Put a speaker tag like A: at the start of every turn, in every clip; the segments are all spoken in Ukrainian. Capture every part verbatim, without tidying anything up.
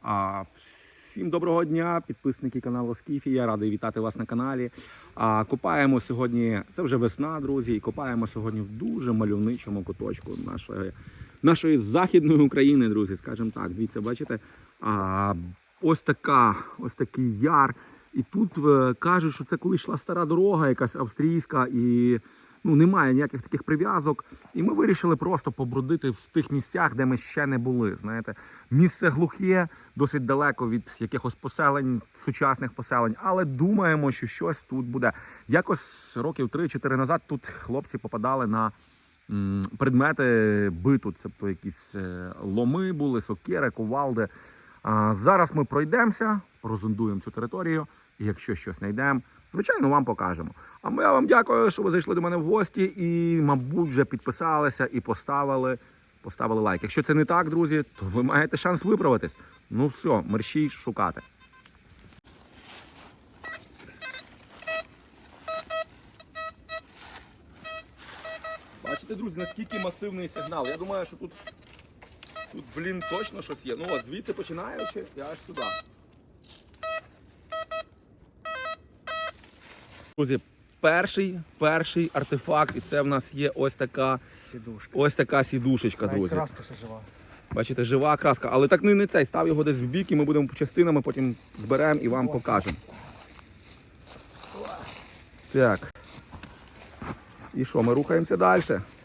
A: А, всім доброго дня, підписники каналу Скіфі. Я радий вітати вас на каналі. А, копаємо сьогодні, це вже весна, друзі, і копаємо сьогодні в дуже мальовничому куточку нашої, нашої західної України, друзі, скажімо так. Дивіться, бачите, а, ось така, ось такий яр. І тут е, кажуть, що це коли йшла стара дорога, якась австрійська, і ну, немає ніяких таких прив'язок. І ми вирішили просто побродити в тих місцях, де ми ще не були. Знаєте, місце глухе, досить далеко від якихось поселень, сучасних поселень, але думаємо, що щось тут буде. Якось років три-чотири назад тут хлопці попадали на м, предмети биту. Тобто якісь е, ломи були, сокири, кувалди. А зараз ми пройдемося, прозондуємо цю територію, і якщо щось знайдемо, звичайно, вам покажемо. А ми вам дякую, що ви зайшли до мене в гості і, мабуть, вже підписалися і поставили, поставили лайк. Якщо це не так, друзі, то ви маєте шанс виправитись. Ну все, мерщій шукати. Бачите, друзі, наскільки масивний сигнал. Я думаю, що тут, тут блін, точно щось є. Ну от, звідси починаючи, і аж сюди. Друзі, перший, перший артефакт, і це в нас є ось така сідушка. Ось така сідушечка, друзі.
B: Краска ще жива.
A: Бачите, жива краска, але так не, не цей, став його десь в бік, і ми будемо по частинами, потім зберемо і вам покажемо. Так. І що, ми рухаємося далі.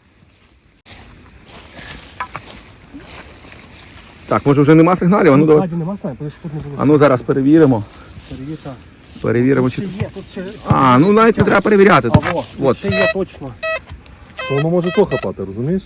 A: Так, може вже нема сигналів? А ну,
B: Ззаді нема сигналів, тут не було.
A: а ну зараз перевіримо.
B: Перевірка.
A: Перевіримо,
B: Тут
A: чи...
B: ще є, тут ще...
A: А, ну навіть не треба перевіряти.
B: А, во, тут
A: От.
B: ще є точно.
C: То воно може то хапати, розумієш?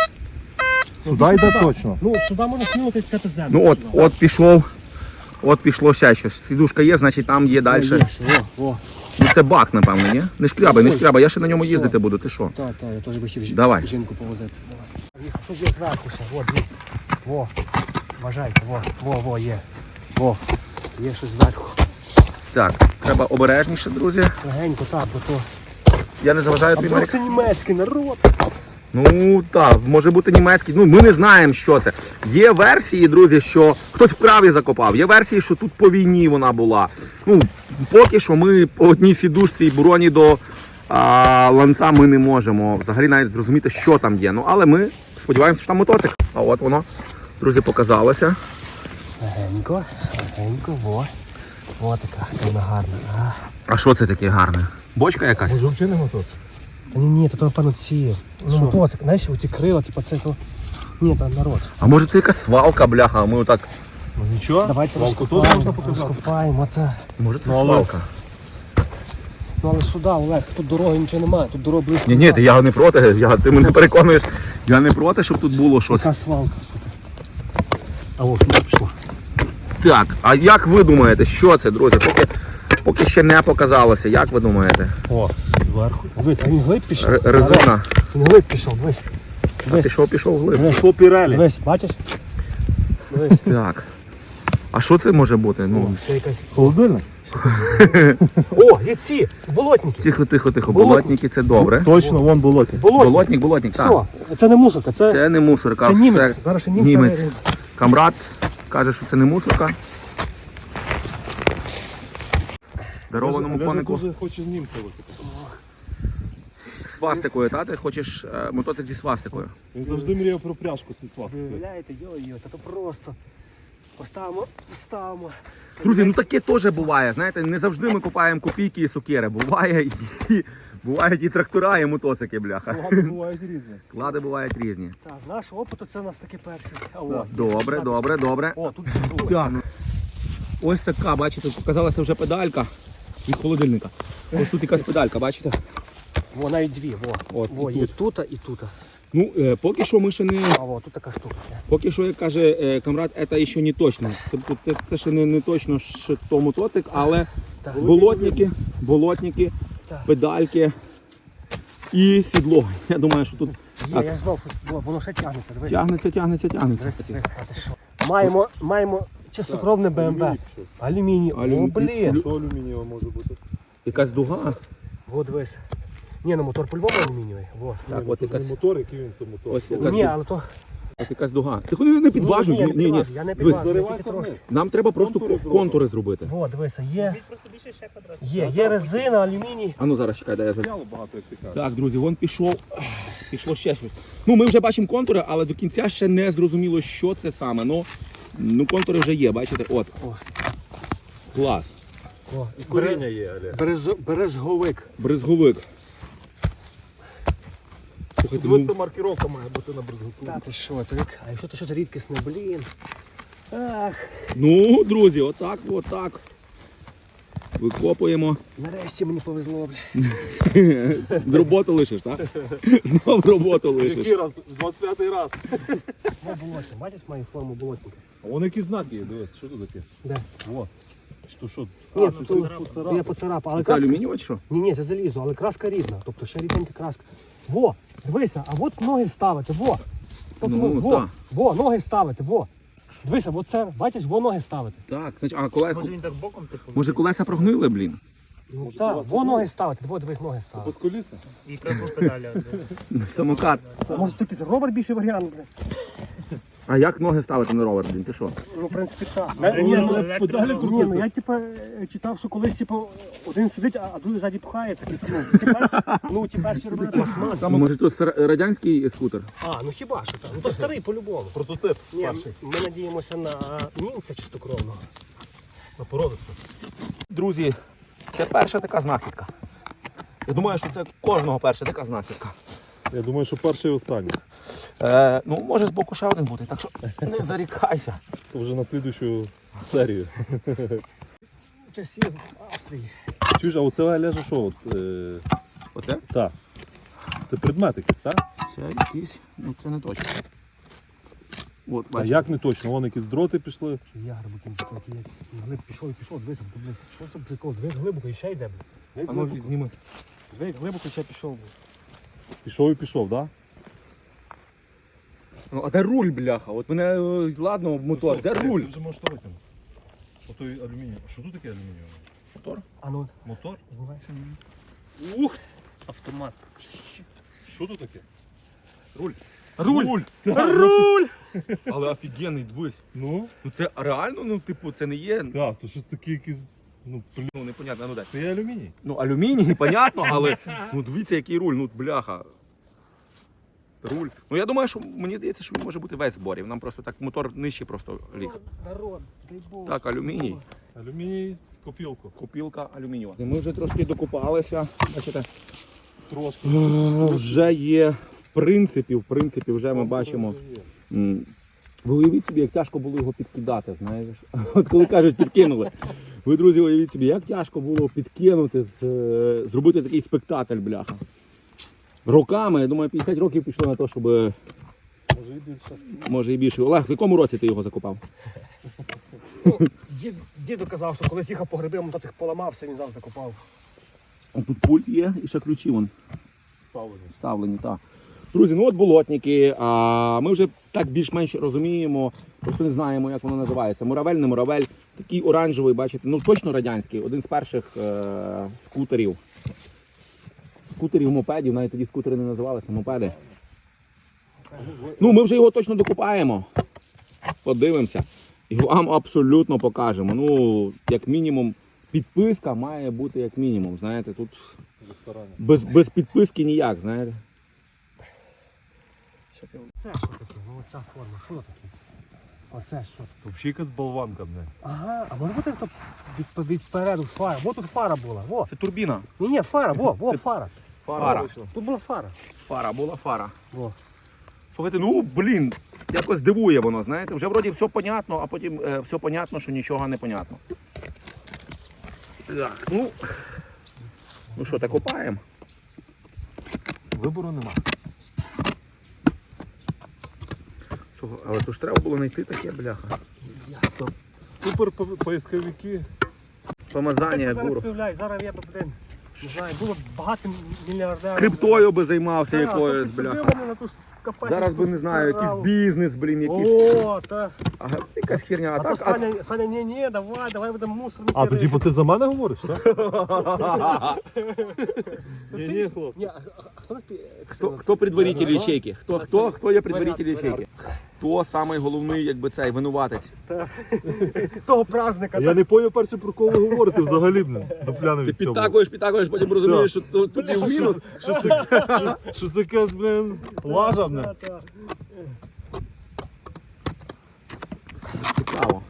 B: Ну,
C: Сюди йде
B: сюди.
C: точно.
B: Ну, сюди можна сміло п'яти землю.
A: Ну от, от пішов, от пішло ще щось. Сідушка є, значить там є далі.
B: Во, во.
A: Ну це бак, напевно, ні? Не шкрябай, не
B: Ой.
A: шкрябай, я ще на ньому
B: Все.
A: їздити буду, ти що?
B: Так, так, я теж би хотів
A: Давай.
B: жінку повозити. Давай. Тут є зверху ще, во, дивіться. Во, вважайте, во, во, во, є. Во, є щось зверху.
A: Так, треба обережніше, друзі.
B: Легенько, так, бо то...
A: Я не заважаю
B: А
A: тобі,
B: бо
A: Марік.
B: це німецький народ.
A: Ну так, може бути німецький. Ну ми не знаємо, що це. Є версії, друзі, що хтось вправі закопав. Є версії, що тут по війні вона була. Ну, поки що ми по одній сідушці і буроні до а, ланца ми не можемо взагалі навіть зрозуміти, що там є. Ну, але ми сподіваємося, що там мотоцикл. А от воно, друзі, показалося.
B: Легенько, легенько, во. Во така, вона гарна. А.
A: А що це таке гарне? Бочка якась?
C: Може взагалі не мотоцикл?
B: Та ні, ні, то напевно ці. Ну, мотоцикл, знаєш, оці крила, типу це то. Ні, то народ.
A: А може це якась свалка, бляха, а ми отак...
C: Ну нічого,
B: Давайте
C: свалку теж
B: розкопаємо,
C: можна показати.
B: розкопаємо, та.
A: Може це
C: Ну, але-
A: свалка?
B: Ну але сюди, Олег, тут дороги нічого немає, тут дорога близько.
A: Ні, ні, ти, я не проти, я, ти мене переконуєш. Я не проти, щоб тут було щось.
B: Яка свалка. Що це? А ось сюди пішло.
A: Так, а як ви думаєте, що це, друзі? Поки, поки ще не показалося, як ви думаєте?
C: О, зверху.
B: Дивись, а він глиб пішов.
A: Р- резина.
B: Він глиб пішов, дивись.
A: А
B: Дивись,
A: пішов, пішов вглиб.
B: дивись,
C: Що пірелі?
B: дивись, бачиш? Дивись.
A: Так. А що це може бути?
B: О,
A: Ну,
B: ще якась.
C: Холодильник?
B: О, є ці, болотники.
A: тихо, тихо, тихо.
B: Болотник.
A: Болотники це добре.
C: Точно, вон болоті.
B: Болотник.
A: Болотник, болотник, так.
B: Все, це не мусорка, це,
A: Це не мусорка.
B: це
A: все
B: німець. Зараз ще німця.
A: німець.
B: не-
A: Камрад каже, що це не мусорка. Дарованому
C: Олеже
A: конику.
C: дуже хоче з німця викопати.
A: Свастикою, та? Ти хочеш е, мотоцикл зі свастикою?
C: Він завжди мріяв про пряжку зі свастикою.
B: Виявляєте, йо-йо, та то просто. Поставимо, ставимо.
A: Друзі, ну таке теж буває. Знаєте, не завжди ми купаємо копійки і сокири. Буває і, бувають і трактора, і мотоцикли, бляха.
C: Ладно, бувають різні.
A: Клади бувають різні.
B: Так, з нашого опиту це у нас таке перше. А, о,
A: Добре,
B: так.
A: добре, добре.
B: О, тут
A: Так. Ось така, бачите, показалася вже педалька від холодильника. Ось тут якась педалька, бачите?
B: Во, навіть дві, во.
A: От,
B: Во,
A: і
B: є
A: тут.
B: тут і тут.
A: Ну, е, поки що ми ще не...
B: А во, тут така штука.
A: Поки що, як каже е, камрад, це ще не точно. Це, це, це ще не, не точно, що то мотоцикл, але
B: Так.
A: болотники, болотники,
B: Так.
A: педальки і сідло. Я думаю, що тут
B: Є,
A: Так.
B: я знов щось, во, воно ще тягнеться, дивись.
A: тягнеться, тягнеться, тягнеться.
B: Дивись, дивись, а ти що? Маємо, маємо чистокровне БМВ.
C: Алюміній пішов.
B: Алюміній. О,
A: Алюмі-
B: блін.
C: Що алюмінієва може бути?
A: Якась дуга.
B: Во, дивись. Ні, ну мотор по-любому алюмінієвий. Во.
A: Так,
C: Ні,
A: от
C: ну, то ж
A: якась-
C: не мотор, який він то мотор.
A: Ось якась
B: Ні,
A: ду-
B: але то...
A: Це якась дуга. Ти не, не підважуй.
B: Ні,
A: Ні, ні, ні.
B: підважу, я не
A: Дивись,
B: підважу, я тільки
C: заривайся
B: трошки.
C: вниз.
A: нам треба просто
C: Контури
A: контури,
C: зробимо.
A: зробити.
B: Во, дивися, є. Є, є резина, алюміній.
A: А ну зараз чекай, дай я залю.
C: Яло багато, як ти кажеш.
A: Так, друзі, вон пішов. Пішло ще щось. Ну, ми вже бачимо контури, але до кінця ще не зрозуміло, що це саме. Ну, ну контури вже є, бачите? От.
B: О.
A: Клас.
B: О,
C: І коріння є, Олег.
B: береж, бережговик.
A: Бризговик. Слухайте,
C: Ось
A: ну,
C: маркировка має бути на брезготу.
B: Та ти що, то як? А якщо то щось рідкісне, блін. Ах,
A: ну, друзі, отак, отак. Викопуємо.
B: нарешті мені повезло, бля.
A: Роботу лишиш, так? Знов роботу лишиш.
C: Який раз? двадцять п'ятий раз.
B: Во болотник, бачиш мою форму болотника?
C: А вон які знаки є, дивись, що тут таке?
B: Де?
C: О. Що, що?
B: Ні,
C: А,
B: тут,
C: це
B: тут,
C: поцарапав.
B: я поцарапав, але
A: Це
B: краска...
A: алюмінієва чи що?
B: Ні, ні, це залізо, але краска рідна. Тобто ще рідненька краска. Во, дивися, а от ноги ставити, во. Тобто,
A: Ну,
B: во,
A: та.
B: во, ноги ставити, во. Дивися, от це, бачиш, во ноги ставити.
A: Так, значить, а колеса.
D: Може він так боком типу
A: Може колеса прогнили, блін?
B: Ну
C: Може,
B: так,
C: у вас
B: во
C: таке?
B: ноги ставити, во, дивись, ноги ставити.
C: Безколісне?
D: і якраз педалі.
A: Самокат.
B: А може тут якийсь ровер більший варіант, бля?
A: А як ноги ставити на ровер, блін? Ти що?
B: Ну, в принципі, так.
D: Ну,
B: Ні,
D: ну,
B: ну,
D: електро-
B: ні, ну я типу е, читав, що колись типу, один сидить, а а другий ззаді пхає. Такий, ну, ті перші, ну, ті перші робили пластмас.
A: Може тут сер- радянський скутер?
B: А, ну хіба що так? Ну то старий по-любому.
C: Прототип.
B: Ні,
C: перший.
B: ми надіємося на німця чистокровного. На породисту.
A: Друзі, це перша така знахідка. Я думаю, що це кожного перша така знахідка.
C: Я думаю, що перший і останній.
A: Е, ну, може з боку ще один бути, так що не зарікайся.
C: То вже на слідущу серію.
B: Часів Австрії.
C: Чуєш, а оце Олеже що? От, е...
A: Оце?
C: Так. Це предмет якийсь, так?
A: Це якийсь, ну це не точно. От,
C: А
A: бачите.
C: як не точно? Вон якісь дроти пішли.
B: Я глибокий закладки, як глиб пішов і пішов, дивися, то, блин, що це прикол? Дивись глибоко і ще йде, блин.
A: А ну зніми.
B: Дивись глибоко і ще пішов.
C: Пішов і пішов, так?
A: Ну, а де руль, бляха? От мене, е, ладно, мотор, де руль?
C: Ти вже можеш то витягнути. Ото алюміній. А що тут таке алюмінієве?
A: Мотор?
B: А ну,
C: Мотор?
B: знімаєш?
D: Ух! Автомат.
C: Що тут таке?
A: Руль.
C: Руль!
A: Руль! Руль! Але офігенний, дивись.
C: Ну?
A: Ну це реально, ну типу, це не є,
C: Так, то щось таке якесь. Ну, блін.
A: ну непонятно, ну дай.
C: Це є алюміній.
A: Ну алюміній, понятно, але ну дивіться, який руль, ну бляха. Руль. Ну я думаю, що мені здається, що він може бути весь зборів. Нам просто так мотор нижче просто ліг.
B: Народ, дай Бог.
A: Так, алюміній.
C: Алюміній в копілку.
A: Копілка алюмінієва. Ми вже трошки докупалися. Бачите,
C: Трошки.
A: вже є, в принципі, в принципі, вже ми бачимо. м, Ви уявіть собі, як тяжко було його підкидати, знаєш. От коли кажуть, підкинули. Ви, друзі, уявіть собі, як тяжко було підкинути, з- е, зробити такий спектакль, бляха. Роками, я думаю, п'ятдесят років пішло на те, щоб,
C: Може і більше.
A: може і більше. Олег, в якому році ти його закопав?
B: Ну, дід, діду казав, що колись їхав по гриби, мотоцикл поламався, він завжди закопав.
A: А тут пульт є і ще ключі вон
C: Ставлені.
A: вставлені. Так. Друзі, ну от болотники, а ми вже так більш-менш розуміємо, просто не знаємо, як воно називається. Муравель, не муравель, такий оранжевий, бачите, ну точно радянський, один з перших е- скутерів. С- Скутерів, мопедів, навіть тоді скутери не називалися, мопеди. Ну, ми вже його точно докупаємо. Подивимося. І вам абсолютно покажемо. Ну, як мінімум, підписка має бути як мінімум. Знаєте, тут
C: В ресторані.
A: без, без підписки ніяк, знаєте.
B: Це що таке? Ну оця форма, що таке? Оце що?
C: Взагалі якась болванка, не.
B: Ага, а може бути тут від, від переду фара? Во тут фара була, во.
A: Це турбіна.
B: Ні, ні, фара, во, во, фара.
A: Фара.
B: Тут була фара.
A: Фара, була фара.
B: Во.
A: Слухайте, ну, блін, якось дивує воно, знаєте. Вже вроді все понятно, а потім е, все понятно, що нічого не понятно. Так, ну, ну що, так копаємо?
C: Вибору нема.
A: Чого? Але то ж треба було знайти таке, бляха.
C: Супер по- поисковики.
A: Помазання,
B: Так, зараз
A: гуру.
B: співляй, зараз я б, блин, не знаю, було б багато мільярдерів.
A: Криптою би займався
B: Так,
A: якоюсь,
B: тобто
A: бляха.
B: сидів вони на ту ж копати.
A: Зараз би, не знаю, якийсь
B: Справу.
A: бізнес, блін, якийсь.
B: О, та.
A: Ага, якась херня. А
B: А то
A: так, а...
B: Саня, Саня, ні, ні, давай, давай будемо мусорники.
C: А, то типу ти за мене говориш, так?
B: Ні,
C: ні, хлопці.
B: Ні, а, а, а хто нас пі...
A: Хто, хто предваритель
B: Ага.
A: ячейки? Хто,
B: А
A: хто,
B: це
A: хто є предваритель
B: порядок,
A: ячейки? Хто самий головний, якби цей, винуватець?
B: Того праздника.
C: А я не поняв перше, про кого ви говорите взагалі, блін. Дупляне
A: Ти
C: від цього.
A: підтакуєш, підтакуєш, потім розумієш, що тут тут і в мінус.
C: Щось таке, щось таке, блін, лажа, блін.
B: Та, та.
A: Цікаво.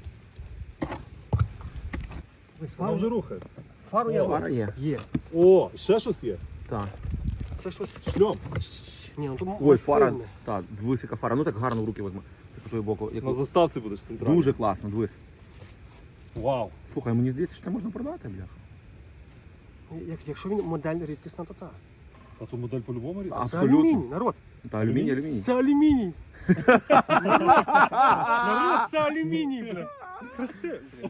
B: Ви
C: Вона вже
B: Фару,
C: рухається.
B: фару я
A: Фара є.
B: Є.
C: О, ще щось є.
A: Так.
B: Це щось.
C: Шльом.
B: Ні, ну тут
A: Ой, фара.
B: масивне.
A: Так, висока фара. Ну так гарно в руки возьми. По твою боку. Як...
C: На заставці будеш центральний.
A: Дуже класно, дивись.
C: Вау.
A: Слухай, мені здається, що це можна продати, бляха.
B: Як, якщо він модель рідкісна, то так.
C: А то модель по-любому рідна?
B: Це
A: Абсолютно.
B: алюміній, народ.
A: Та алюміній, алюміній.
B: Це алюміній. Народ, це алюміній, бля. Хрести, бля.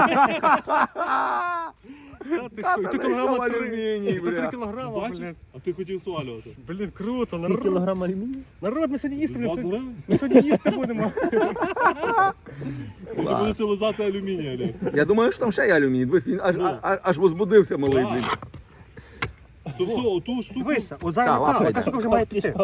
B: Та ти що, і то кілограма три.
A: алюміній,
B: І то три
A: бля.
B: кілограма,
C: Бачиш?
B: блін.
C: А ти хотів свалювати.
B: Блін, круто,
D: Скільки
B: народ.
D: кілограм алюмінію?
B: Народ, ми сьогодні їсти.
C: двадцять
B: не-
C: гривень?
B: Ми сьогодні їсти будемо.
C: Ви будете лизати алюміній, Олег.
A: Я думаю, що там ще є алюміній. Дивись, він аж,
C: Ну.
A: аж, аж возбудився малий,
C: Так.
A: блін.
C: То все, оту штуку.
B: Дивися, от
A: Так,
B: зараз
A: лапай,
B: така,
A: йде.
B: така штука вже має піти.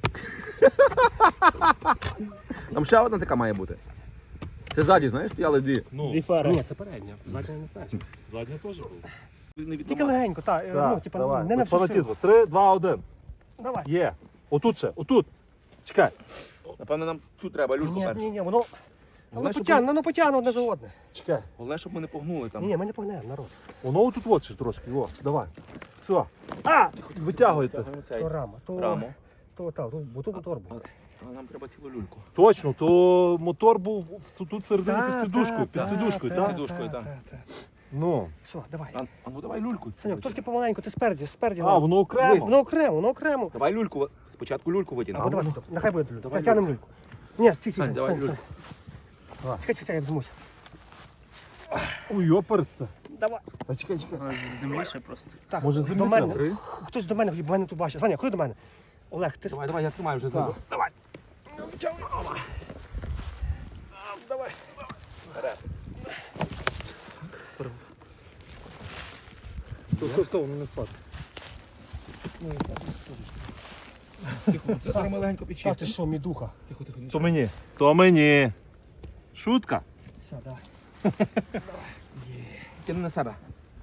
A: Там ще одна така має бути. Це ззаді, знаєш, стояли дві.
C: Ну,
D: Дві фари.
B: Ні, це передня, задня не знаю.
C: задня теж була.
B: Тільки легенько, так, ну, типа,
C: давай.
B: не на
C: Без
B: всю силу.
C: фанатізму. Три, два, один.
B: Давай.
C: Є. Отут ще, отут. Чекай.
A: Напевно, нам цю треба, люшку
B: Ні,
A: першу.
B: ні, ні, воно, воно
A: Головне, щоб
B: потягне, воно потягне одне за одне.
C: Чекай.
A: Головне, щоб ми не погнули
B: Ні,
A: там.
B: ні, ми не погнемо, народ.
C: Воно отут от ще трошки. О, давай. Все. А! Витягуйте.
A: Тягнемо цей
B: То рама, то,
A: раму.
B: то, та, то, бо то мотор був.
A: А нам треба цілу люльку.
C: Точно, то мотор був в- тут всередині
B: Та,
C: під сидушкою.
B: та,
C: Під
B: та,
C: сидушкою,
B: та,
C: так?
A: Під сидушкою,
B: та,
A: так.
B: та, та.
C: Ну.
B: Все, давай.
A: А, а ну давай люльку.
B: Саньок, трошки помаленьку, ти спереді, спереді.
C: А, воно окремо.
B: Воно окремо, воно окремо.
A: Давай люльку. Спочатку люльку
B: Або
A: витягнемо.
B: давай, тут, нехай буде люлька.
A: Давай
B: Тягнемо люльку. Ні, стій, стій,
A: Сань,
B: Сань,
A: давай
B: Сань,
A: люльку.
B: Сань. Чекай, чекай, я візьмусь.
C: Ой, йоперста.
B: Давай.
C: А чекай, чекай.
D: Земліше просто.
B: Так,
C: Може,
B: до
C: землі
B: мене.
C: треба?
B: Хтось до мене, бо мене тут бачить. Саня, ходи до мене. Олег, ти
A: Давай, давай, я тримаю вже знизу.
B: Давай. Давай.
C: Все, все, все, воно не впаде.
A: Це зараз ми легенько
B: Та ти що, мідуха?
A: Тихо, тихо,
C: То мені. То мені. Шутка.
B: Все, давай.
A: Тяни на себе.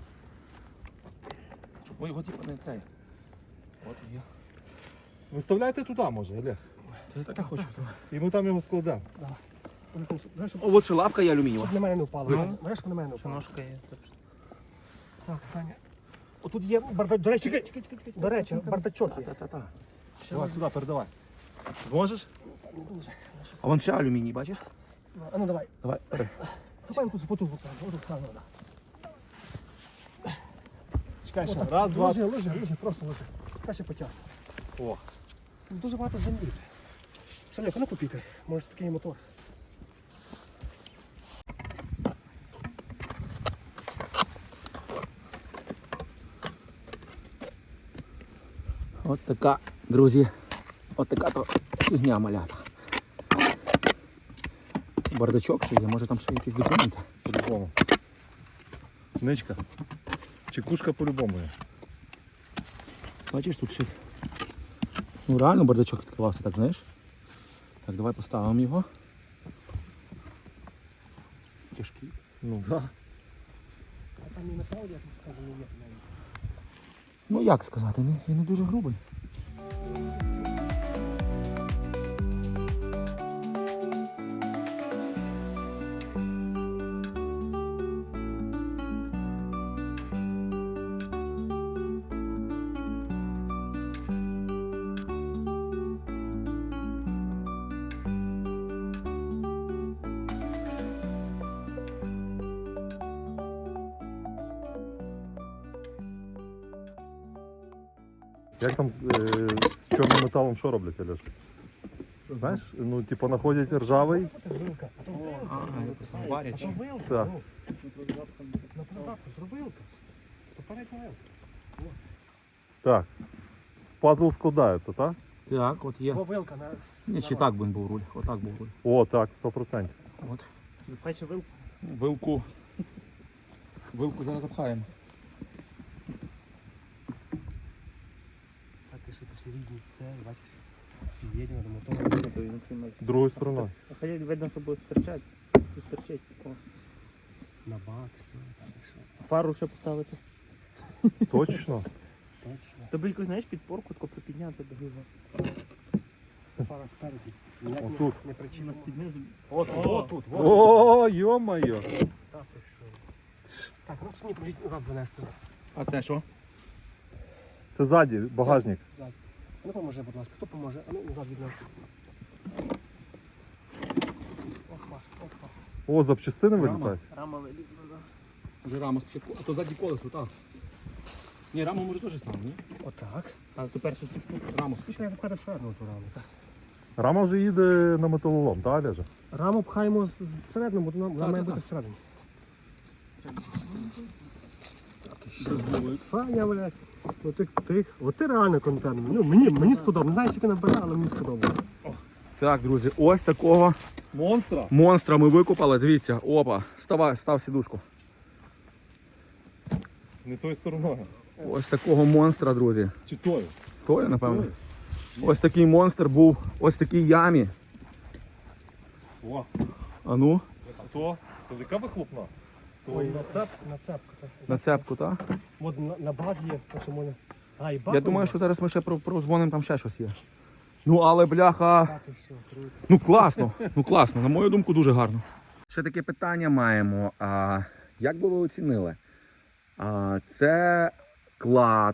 A: Щоб ми його типу не цей. От є.
C: Виставляйте туди, може, Олег.
A: Це я так і хочу.
C: І ми там його складемо.
B: Знаєш, щоб
A: О, от ще лапка є алюмінієва.
B: щоб на мене не впало.
A: Ну.
B: Знаєш, щоб на мене не
D: Що
B: впало.
D: ножка є. точно.
B: Так, Саня. Отут є бардачок. До речі, чекай, чекай, чекай. До речі, бардачок є.
A: Та-та-та.
C: Давай сюди, передавай. Зможеш?
A: А вон ще алюміній, бачиш?
B: А ну давай.
A: Давай, бери.
B: Хапаємо тут потугу. Отут камера.
C: Чекай ще. Раз, два.
B: Ложи, ложи, ложи, просто ложи. Краще потяг.
C: О.
B: Дуже багато землі. Саня, ну попікай. Може такий мотор.
A: От така, друзі, от така то фігня малята. Бардачок ще є, може там ще якісь документи.
C: По-любому. Ничка. Чекушка по-любому є.
A: Бачиш, тут ще. Ну реально бардачок відкривався, так знаєш. Так, давай поставимо його. Тяжкий.
C: Ну, да.
B: А там і метал, я тобі скажу, не є.
A: Ну як сказати, він він не дуже грубий.
C: Як там е, з чорним металом що роблять, Олеж? Знаєш, ну, типу, знаходять ржавий.
B: Це вилка. А то вилка.
A: А, якось
B: А
A: варять.
B: то вилка.
C: Так.
B: Ну, на назад, то вилка. То передня вилка.
C: Так. З пазл складається, так?
A: Так, от є.
B: Во вилка на...
A: Ні, чи так би був руль. Отак був руль.
C: О, так, сто процентів.
A: От.
D: Запече вилку.
A: Вилку. Вилку зараз запхаємо.
B: А ти що, ти ж рідні це, бачиш? Їдемо до мотора.
C: Другою стороною.
D: А хай видно, що буде стирчать. Стирчить. О.
B: На бак, все, так і що.
D: А фару ще поставити.
C: Точно.
B: Точно.
D: Тобі якось, знаєш, підпорку тако припідняти до грива.
B: Фара спереді. Ніяк
C: Отут.
B: не, не причина.
D: На спідни.
B: От,
D: О.
B: от тут, от.
C: О, йо-моє.
B: Так, і що. Так, ну мені поможіть назад занести.
A: А це що?
C: Це ззаді, багажник.
B: Зад. Ну поможи, будь ласка. Хто поможе? А ну назад віднести. Опа, опа.
C: О, запчастини
A: Рама.
C: вилітають.
D: Рама вилізла, да.
A: Вже рама спочатку. А то задні колесо, так. Ні, раму може теж стане, ні?
B: Отак.
D: А тепер це штуку.
A: Раму
B: Пішли я запхати ферну ту раму. Так.
C: Рама вже їде на металолом, так, Олеже?
B: Раму пхаємо з- зсередину, бо вона вона
A: Так,
B: має
A: так,
B: бути
A: так.
B: всередині.
A: Розбили.
B: Саня, блядь. Ну ти, ти, от ти реально контент. Ну, мені, мені сподобалось. Не знаю, скільки набере, але мені сподобалось.
A: Так, друзі, ось такого
C: Монстра.
A: монстра ми викопали. Дивіться, опа, ставай, став сідушку.
C: Не тою стороною.
A: Ось такого монстра, друзі.
C: Чи тою?
A: Тою, напевно. Ось такий монстр був ось в такій ямі.
C: О,
A: А ну,
C: а то? То яка вихлопна?
B: Ой, нацепка, нацепка. так.
A: на цепку, так?
B: От на, на бак є, так що можна. А, і бак.
A: Я думаю, що зараз ми ще про- прозвонимо, там ще щось є. Ну, але бляха.
B: Так, і що, круто.
A: Ну класно, ну класно, на мою думку, дуже гарно. Ще таке питання маємо. А, як би ви оцінили? А, це клад,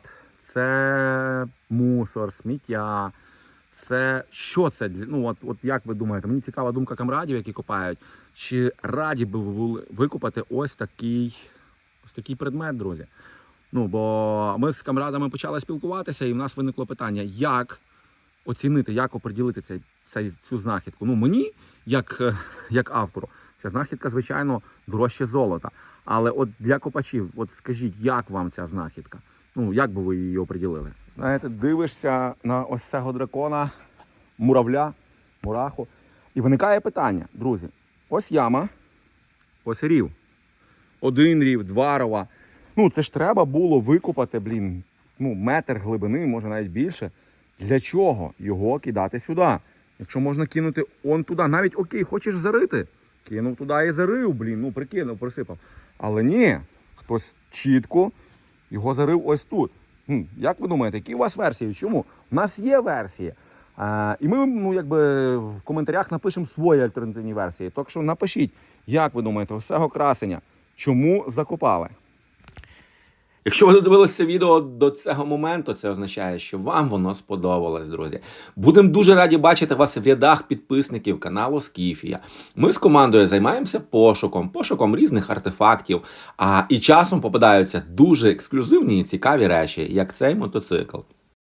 A: це мусор, сміття. Це що це? для- Ну, от, от як ви думаєте? Мені цікава думка камрадів, які копають. Чи раді би ви були викопати ось такий, ось такий предмет, друзі? Ну, бо ми з камрадами почали спілкуватися, і в нас виникло питання, як оцінити, як оприділити цей, цей, цю знахідку. Ну, мені, як, е, як автору, ця знахідка, звичайно, дорожче золота. Але от для копачів, от скажіть, як вам ця знахідка? Ну, як би ви її оприділили? Знаєте, дивишся на ось цього дракона, муравля, мураху, і виникає питання, друзі, ось яма, ось рів. Один рів, два рова. Ну, це ж треба було викопати, блін, ну, метр глибини, може навіть більше. Для чого його кидати сюди? Якщо можна кинути он туди, навіть окей, хочеш зарити, кинув туди і зарив, блін, ну прикинув, присипав. Але ні, хтось чітко його зарив ось тут. Хм, як ви думаєте, які у вас версії? Чому? У нас є версії. А, і ми, ну, якби в коментарях напишемо свої альтернативні версії. Так що напишіть, як ви думаєте, ось цього красення, чому закопали? Якщо ви додивилися відео до цього моменту, це означає, що вам воно сподобалось, друзі. Будемо дуже раді бачити вас в рядах підписників каналу Скіфія. Ми з командою займаємося пошуком, пошуком різних артефактів, а і часом попадаються дуже ексклюзивні і цікаві речі, як цей мотоцикл.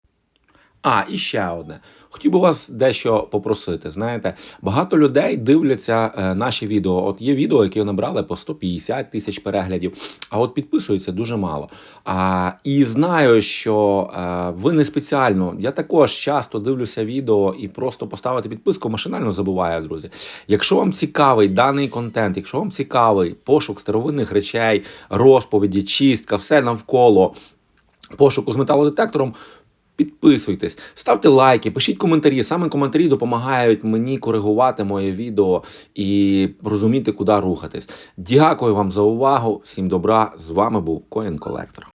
A: А, і ще одне. Хотів би вас дещо попросити. Знаєте, багато людей дивляться е, наші відео. От є відео, які набрали по сто п'ятдесят тисяч переглядів, а от підписується дуже мало. А, і знаю, що е, ви не спеціально. Я також часто дивлюся відео і просто поставити підписку машинально забуваю, друзі. Якщо вам цікавий даний контент, якщо вам цікавий пошук старовинних речей, розповіді, чистка, все навколо пошуку з металодетектором, підписуйтесь, ставте лайки, пишіть коментарі. Саме коментарі допомагають мені коригувати моє відео і розуміти, куди рухатись. Дякую вам за увагу. Всім добра. З вами був Коін Колектор.